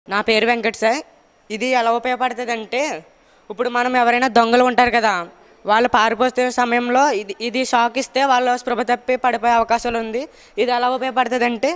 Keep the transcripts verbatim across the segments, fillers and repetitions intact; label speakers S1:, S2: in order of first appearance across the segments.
S1: నా పేరు వెంకట్ సార్. ఇది ఎలా ఉపయోగపడుతుందంటే, ఇప్పుడు మనం ఎవరైనా దొంగలు ఉంటారు కదా, వాళ్ళు పారిపోతున్న సమయంలో ఇది ఇది షాక్ ఇస్తే వాళ్ళు స్పృహ తప్పి పడిపోయే అవకాశాలు ఉంది. ఇది ఎలా ఉపయోగపడుతుందంటే,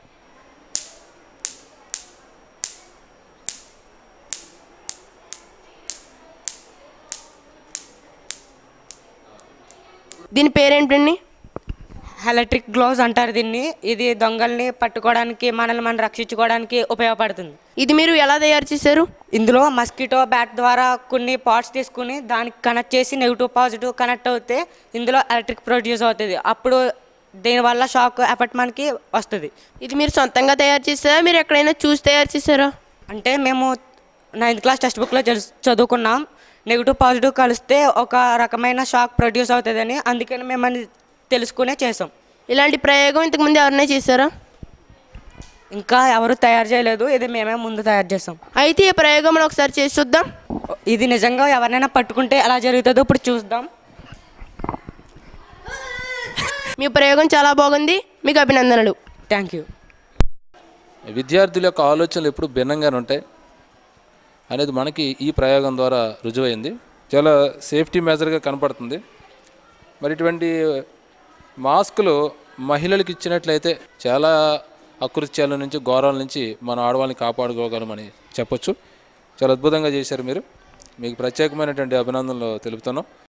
S2: దీని పేరేంటండి?
S1: ఎలక్ట్రిక్ గ్లోవ్స్ అంటారు దీన్ని. ఇది దొంగల్ని పట్టుకోవడానికి, మనల్ని మనం రక్షించుకోవడానికి ఉపయోగపడుతుంది.
S2: ఇది మీరు ఎలా తయారు చేశారు?
S1: ఇందులో మస్కిటో బ్యాట్ ద్వారా కొన్ని పార్ట్స్ తీసుకుని దానికి కనెక్ట్ చేసి నెగిటివ్ పాజిటివ్ కనెక్ట్ అవుతే ఇందులో ఎలక్ట్రిక్ ప్రొడ్యూస్ అవుతుంది. అప్పుడు దీనివల్ల షాక్ ఎఫెక్ట్ మనకి వస్తుంది.
S2: ఇది మీరు సొంతంగా తయారు చేశారా, మీరు ఎక్కడైనా చూసి తయారు చేశారా?
S1: అంటే మేము నైన్త్ క్లాస్ టెక్స్ట్ బుక్లో చదువుకున్నాం, నెగిటివ్ పాజిటివ్ కలిస్తే ఒక రకమైన షాక్ ప్రొడ్యూస్ అవుతుందని. అందుకని మేము అని తెలుసుకునే చేసాం.
S2: ఇలాంటి ప్రయోగం ఇంతకుముందు ఎవరైనా చేశారా?
S1: ఇంకా ఎవరు తయారు చేయలేదు, ఇది మేమే ముందు తయారు చేసాం.
S2: అయితే ఈ ప్రయోగం మనం ఒకసారి చేసి చూద్దాం.
S1: ఇది నిజంగా ఎవరినైనా పట్టుకుంటే ఎలా జరుగుతుందో ఇప్పుడు చూద్దాం.
S2: మీ ప్రయోగం చాలా బాగుంది, మీకు అభినందనలు.
S1: Thank you.
S3: విద్యార్థుల యొక్క ఆలోచనలు ఎప్పుడు భిన్నంగానే ఉంటాయి అనేది మనకి ఈ ప్రయోగం ద్వారా రుజువైంది. చాలా సేఫ్టీ మెజర్గా కనపడుతుంది. మరి ఇటువంటి మాస్కులు మహిళలకు ఇచ్చినట్లయితే చాలా అకృత్యాల నుంచి, ఘోరాల నుంచి మన ఆడవాళ్ళని కాపాడుకోగలమని చెప్పొచ్చు. చాలా అద్భుతంగా చేశారు మీరు. మీకు ప్రత్యేకమైనటువంటి అభినందనలు తెలుపుతున్నాం.